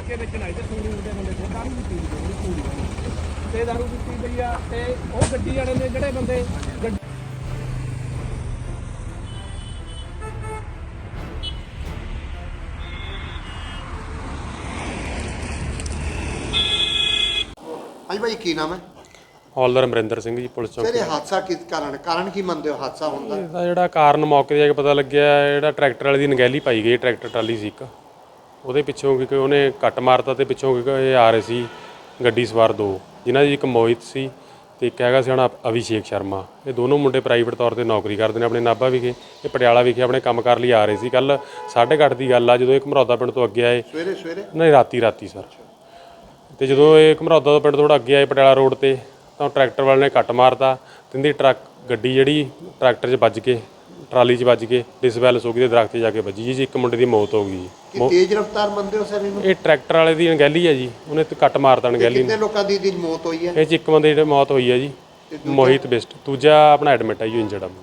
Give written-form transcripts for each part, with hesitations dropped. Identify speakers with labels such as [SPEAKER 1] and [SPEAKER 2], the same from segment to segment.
[SPEAKER 1] ਠੇਕੇ ਵੇਚਣ ਆਏ ਤੇ ਸੰਗਰੂਰ ਦੇ ਬੰਦੇ ਤੇ ਦਾਰੂ ਪੀਤੀ ਪੂਰੀ ਤੇ ਦਾਰੂ ਪੀਤੀ ਪਈ ਆ ਤੇ ਉਹ ਗੱਡੀ ਵਾਲੇ ਨੇ ਜਿਹੜੇ ਬੰਦੇ
[SPEAKER 2] ਹਾਂਜੀ ਭਾਈ ਕੀ ਨਾਮ ਹੈ?
[SPEAKER 3] ਹੌਲਦਾਰ ਅਮਰਿੰਦਰ ਸਿੰਘ ਜੀ, ਪੁਲਿਸ ਚੌਕੀ।
[SPEAKER 2] ਸਰ ਇਹ ਹਾਦਸਾ ਕਿਸ ਕਾਰਨ ਕੀ ਮੰਨਦੇ ਹੋ ਹਾਦਸਾ ਹੁੰਦਾ?
[SPEAKER 3] ਇਹਦਾ ਜਿਹੜਾ ਕਾਰਨ ਮੌਕੇ 'ਤੇ ਜਾ ਕੇ ਪਤਾ ਲੱਗਿਆ, ਜਿਹੜਾ ਟਰੈਕਟਰ ਵਾਲੇ ਦੀ ਨਗਹਿਲੀ ਪਾਈ ਗਈ, ਟਰੈਕਟਰ ਟਰਾਲੀ ਸੀ ਇੱਕ, ਉਹਦੇ ਪਿੱਛੋਂ ਕਿਉਂਕਿ ਉਹਨੇ ਕੱਟ ਮਾਰਤਾ ਤੇ ਪਿੱਛੋਂ ਕਿਉਂਕਿ ਇਹ ਆ ਰਹੇ ਸੀ ਗੱਡੀ ਸਵਾਰ ਦੋ, ਜਿਨ੍ਹਾਂ ਦੀ ਇੱਕ ਮੋਹਿਤ ਸੀ ਤੇ ਇੱਕ ਹੈਗਾ ਸੀ ਹੁਣ ਅਭਿਸ਼ੇਕ ਸ਼ਰਮਾ। ਇਹ ਦੋਨੋਂ ਮੁੰਡੇ ਪ੍ਰਾਈਵੇਟ ਤੌਰ 'ਤੇ ਨੌਕਰੀ ਕਰਦੇ ਨੇ ਆਪਣੇ ਨਾਭਾ ਵਿਖੇ, ਇਹ ਪਟਿਆਲਾ ਵਿਖੇ ਆਪਣੇ ਕੰਮ ਕਰ ਲਈ ਆ ਰਹੇ ਸੀ। ਕੱਲ੍ਹ 8:30 ਦੀ ਗੱਲ ਆ ਜਦੋਂ ਇਹ ਘਮਰੌਦਾ ਪਿੰਡ ਤੋਂ ਅੱਗੇ ਆਏ।
[SPEAKER 2] ਸਵੇਰੇ
[SPEAKER 3] ਨਹੀਂ, ਰਾਤੀ ਸਰ। ਤੇ ਜਦੋਂ ਇਹ ਘਮਰੌਦਾ ਤੋਂ ਪਿੰਡ ਥੋੜ੍ਹਾ ਅੱਗੇ ਆਏ ਪਟਿਆਲਾ ਰੋਡ 'ਤੇ ਤਾਂ ਟਰੈਕਟਰ ਵਾਲੇ ਨੇ ਕੱਟ ਮਾਰਤਾ ਤੇ ਇਹਦੀ ਗੱਡੀ ਜਿਹੜੀ ਟਰੈਕਟਰ 'ਚ ਵੱਜ ਕੇ ਟਰਾਲੀ 'ਚ ਵੱਜ ਕੇ ਡਿਸਬੈਲੈਂਸ ਹੋ ਗਈ ਤੇ ਦਰਖਤ 'ਤੇ ਜਾ ਕੇ ਵੱਜੀ ਜੀ। ਇੱਕ ਮੁੰਡੇ ਦੀ ਮੌਤ ਹੋ ਗਈ ਜੀ।
[SPEAKER 2] ਤੇਜ਼ ਰਫ਼ਤਾਰ ਮੰਨਦੇ ਹੋ ਸਰ ਇਹਨੂੰ?
[SPEAKER 3] ਇਹ ਟਰੈਕਟਰ ਵਾਲੇ ਦੀ ਅਣਗਹਿਲੀ ਹੈ ਜੀ, ਉਹਨੇ ਤੇ ਕੱਟ ਮਾਰਤਾ ਅਣਗਹਿਲੀ।
[SPEAKER 2] ਕਿੰਨੇ ਲੋਕਾਂ ਦੀ ਮੌਤ ਹੋਈ ਹੈ?
[SPEAKER 3] ਇਹ 'ਚ ਇੱਕ ਬੰਦੇ ਦੀ ਮੌਤ ਹੋਈ ਹੈ ਜੀ, ਮੋਹਿਤ ਬਿਸਟ। ਦੂਜਾ ਆਪਣਾ ਐਡਮਿਟ ਹੈ ਜੀ, ਇੰਜਰਡ ਆ।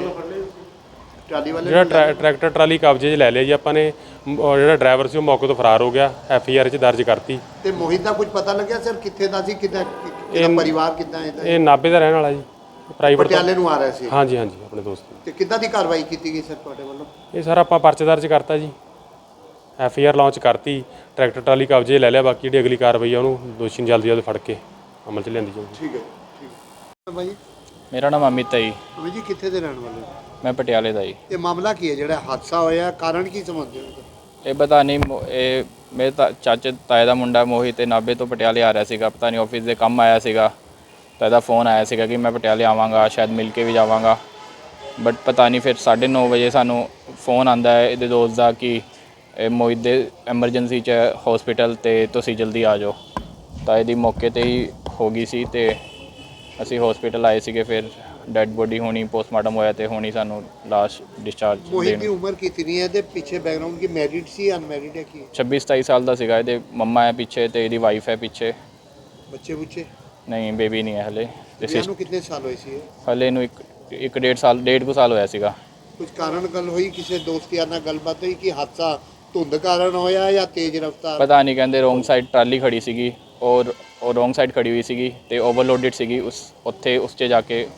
[SPEAKER 2] ਟਰਾਲੀ ਵਾਲੇ
[SPEAKER 3] ਜਿਹੜਾ ਟਰੈਕਟਰ ਟਰਾਲੀ ਕਬਜ਼ੇ 'ਚ ਲੈ ਲਿਆ ਜੀ ਆਪਾਂ ਨੇ। ਜਿਹੜਾ ਡਰਾਈਵਰ ਸੀ ਉਹ ਮੌਕੇ ਤੋਂ ਫਰਾਰ ਹੋ ਗਿਆ, FIR 'ਚ ਦਰਜ ਕਰਤੀ।
[SPEAKER 2] ਤੇ ਮੋਹਿਤ ਦਾ ਕੁਝ ਪਤਾ ਲੱਗਿਆ ਸਰ ਕਿੱਥੇ ਦਾ ਸੀ, ਕਿਹਦਾ ਪਰਿਵਾਰ ਕਿੱਦਾਂ ਇਹਦਾ? ਇਹ
[SPEAKER 3] ਨਾਭੇ ਦਾ ਰਹਿਣ ਵਾਲਾ ਜੀ, ਪ੍ਰਾਈਵੇਟ
[SPEAKER 2] ਪਟਿਆਲੇ ਨੂੰ ਆ ਰਿਹਾ ਸੀ।
[SPEAKER 3] ਹਾਂਜੀ ਆਪਣੇ ਦੋਸਤ।
[SPEAKER 2] ਤੇ ਕਿੱਦਾਂ ਦੀ ਕਾਰਵਾਈ ਕੀਤੀ ਗਈ ਸਰ ਤੁਹਾਡੇ ਵੱਲੋਂ?
[SPEAKER 3] ਇਹ ਸਰ ਆਪਾਂ ਪਰਚਾ ਦਰਜ ਕਰਤਾ ਜੀ, FIR ਲਾਂਚ ਕਰਤੀ, ਟਰੈਕਟਰ ਟਰਾਲੀ ਕਬਜ਼ੇ ਲੈ ਲਿਆ। ਬਾਕੀ ਜਿਹੜੀ ਅਗਲੀ ਕਾਰਵਾਈ ਆ ਉਹਨੂੰ ਦੋਸ਼ੀ ਨੂੰ ਜਲਦੀ ਫੜ ਕੇ ਅਮਲ 'ਚ ਲਿਆਂਦੀ ਜਾਊਗੀ।
[SPEAKER 2] ਠੀਕ ਹੈ ਭਾਈ।
[SPEAKER 4] ਮੇਰਾ ਨਾਮ ਅਮਿਤ ਹੈ ਜੀ।
[SPEAKER 2] ਅਮਿਤ ਜੀ ਕਿੱਥੇ ਦੇ ਰਹਿਣ ਵਾਲੇ?
[SPEAKER 4] ਮੈਂ ਪਟਿਆਲੇ ਦਾ ਜੀ।
[SPEAKER 2] ਇਹ ਮਾਮਲਾ ਕੀ ਹੈ ਜਿਹੜਾ ਹਾਦਸਾ ਹੋਇਆ, ਕਾਰਨ ਕੀ ਸਮਝਦੇ ਹੋ?
[SPEAKER 4] ਇਹ ਪਤਾ ਨਹੀਂ, ਇਹ ਮੇਰੇ ਚਾਚੇ ਤਾਏ ਦਾ ਮੁੰਡਾ ਮੋਹਿਤ ਤੇ ਨਾਭੇ ਤੋਂ ਪਟਿਆਲੇ ਆ ਰਿਹਾ ਸੀਗਾ। ਪਤਾ ਨਹੀਂ ਆਫਿਸ ਦੇ ਕੰਮ ਆਇਆ ਸੀਗਾ ਤਾਂ ਇਹਦਾ ਫੋਨ ਆਇਆ ਸੀਗਾ ਕਿ ਮੈਂ ਪਟਿਆਲੇ ਆਵਾਂਗਾ, ਸ਼ਾਇਦ ਮਿਲ ਕੇ ਵੀ ਜਾਵਾਂਗਾ। ਬਟ ਪਤਾ ਨਹੀਂ, ਫਿਰ 9:30 ਵਜੇ ਸਾਨੂੰ ਫੋਨ ਆਉਂਦਾ ਹੈ ਇਹਦੇ ਦੋਸਤ ਦਾ ਕਿ ਮੋਹਿਤ ਦੇ ਐਮਰਜੈਂਸੀ 'ਚ ਹਸਪੀਟਲ ਤੇ ਤੁਸੀਂ ਜਲਦੀ ਆ ਜਾਓ। ਤਾਂ ਇਹਦੀ ਮੌਕੇ 'ਤੇ ਹੀ ਹੋ ਗਈ ਸੀ ਤੇ ਅਸੀਂ ਹਸਪੀਟਲ ਆਏ ਸੀਗੇ। ਫਿਰ ਡੈਡ ਬੋਡੀ ਹੋਣੀ, ਪੋਸਟਮਾਰਟਮ ਹੋਇਆ ਤੇ ਹੋਣੀ ਸਾਨੂੰ ਲਾਸਟ ਡਿਸਚਾਰਜ।
[SPEAKER 2] ਮੋਹਿਤ ਦੀ ਉਮਰ ਕਿਤਨੀ ਹੈ? ਇਹਦੇ ਪਿੱਛੇ ਬੈਕਗ੍ਰਾਉਂਡ ਕੀ, ਮੈਰਿਡ ਸੀ ਅਨਮੈਰਿਡ ਹੈ ਕੀ?
[SPEAKER 4] 26-27 ਸਾਲ ਦਾ ਸੀਗਾ। ਇਹਦੇ ਮੰਮਾ ਹੈ ਪਿੱਛੇ ਤੇ ਇਹਦੀ ਵਾਈਫ ਹੈ ਪਿੱਛੇ।
[SPEAKER 2] ਬੱਚੇ
[SPEAKER 4] ਨਹੀਂ, ਬੇਬੀ ਨਹੀਂ ਹੈ ਹਲੇ।
[SPEAKER 2] ਇਹਨੂੰ ਕਿੰਨੇ ਸਾਲ ਹੋਏ ਸੀ?
[SPEAKER 4] ਹਲੇ ਇਹਨੂੰ ਇੱਕ ਡੇਢ ਕੁ ਸਾਲ ਹੋਇਆ ਸੀਗਾ।
[SPEAKER 2] ਕੁਝ ਕਾਰਨ ਗੱਲ ਹੋਈ, ਕਿਸੇ ਦੋਸਤ ਯਾਰ ਨਾਲ ਗੱਲਬਾਤ ਹੋਈ ਕਿ ਹਾਦਸਾ ਧੁੰਦ ਕਾਰਨ ਹੋਇਆ ਜਾਂ ਤੇਜ਼ ਰਫ਼ਤਾਰ?
[SPEAKER 4] ਪਤਾ ਨਹੀਂ, ਕਹਿੰਦੇ ਰੋਂਗ ਸਾਈਡ ਟਰਾਲੀ ਖੜੀ ਸੀਗੀ ਔਰ ਰੋਂਗ ਸਾਈਡ ਖੜੀ ਹੋਈ ਸੀਗੀ ਤੇ ਓਵਰਲੋਡਡ ਸੀਗੀ। ਉਸ 'ਚ ਜਾ ਕੇ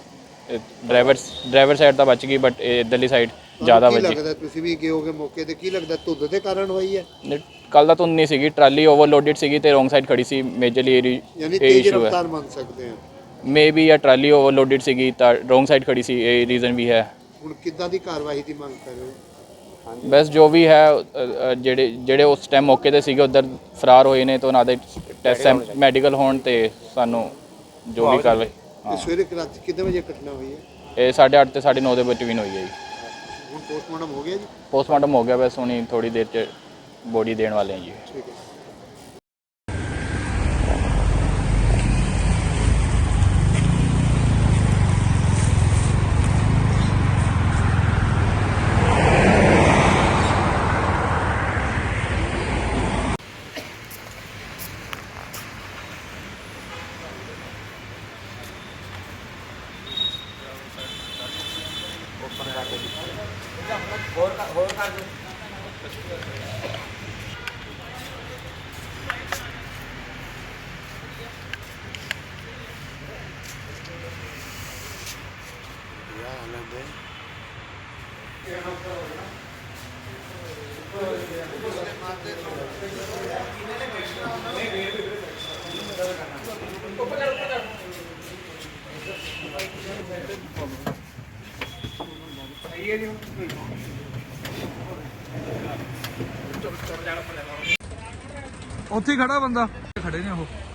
[SPEAKER 4] ਡਰਾਈਵਰ ਸਾਈਡ ਤਾਂ ਬਚ ਗਈ ਬਟ ਇੱਧਰਲੀ ਸਾਈਡ ਜ਼ਿਆਦਾ ਵੱਜੀ।
[SPEAKER 2] ਲੱਗਦਾ ਤੁਸੀਂ ਵੀ ਗਏ ਹੋਗੇ ਮੌਕੇ ਤੇ, ਕੀ ਲੱਗਦਾ ਧੁੰਦ ਦੇ ਕਾਰਨ ਹੋਈ ਹੈ?
[SPEAKER 4] ਕੱਲ ਦਾ ਧੁੰਦ ਨਹੀਂ ਸੀਗੀ, ਟਰਾਲੀ ਓਵਰਲੋਡਡ ਸੀਗੀ ਤੇ ਰੋਂਗ ਸਾਈਡ ਖੜੀ ਸੀ। ਮੇਜਰਲੀ
[SPEAKER 2] ਯਾਨੀ ਤੇਜ਼ ਰਫ਼ਤਾਰ ਮੰਨ ਸਕਦੇ ਹਾਂ
[SPEAKER 4] ਮੇਬੀ, ਜਾਂ ਟਰਾਲੀ ਓਵਰਲੋਡਡ ਸੀਗੀ ਤਾਂ ਰੋਂਗ ਸਾਈਡ ਖੜੀ ਸੀ, ਇਹ ਰੀਜ਼ਨ ਵੀ ਹੈ।
[SPEAKER 2] ਹੁਣ ਕਿੱਦਾਂ ਦੀ ਕਾਰਵਾਈ ਦੀ ਮੰਗ ਕਰ ਰਹੇ ਹੋ?
[SPEAKER 4] ਬਸ ਜੋ ਵੀ ਹੈ, ਜਿਹੜੇ ਉਸ ਟਾਈਮ ਮੌਕੇ ਤੇ ਸੀਗੇ ਉੱਧਰ ਫਰਾਰ ਹੋਏ ਨੇ ਤਾਂ ਉਹਨਾਂ ਦੇ ਟੈਸਟ ਮੈਡੀਕਲ ਹੋਣ ਤੇ ਸਾਨੂੰ ਜੋ ਵੀ ਕਾਰਵਾਈ।
[SPEAKER 2] ਸਵੇਰੇ ਕਿੰਨੇ ਵਜੇ ਘਟਨਾ ਹੋਈ ਹੈ?
[SPEAKER 4] ਇਹ 8:30 ਤੇ 9:30 ਦੇ ਬਿਟਵੀਨ ਹੋਈ ਹੈ ਜੀ।
[SPEAKER 2] ਹੁਣ ਪੋਸਟਮਾਰਟਮ ਹੋ ਗਿਆ ਜੀ?
[SPEAKER 4] ਪੋਸਟਮਾਰਟਮ ਹੋ ਗਿਆ, ਬਸ ਹੁਣੀ ਥੋੜੀ ਦੇਰ 'ਚ ਬੋਡੀ ਦੇਣ ਵਾਲੇ ਹਾਂ ਜੀ।
[SPEAKER 2] ਠੀਕ ਹੈ।
[SPEAKER 1] ਉੱਥੇ ਖੜਾ ਬੰਦਾ, ਖੜੇ ਨੇ ਉਹ।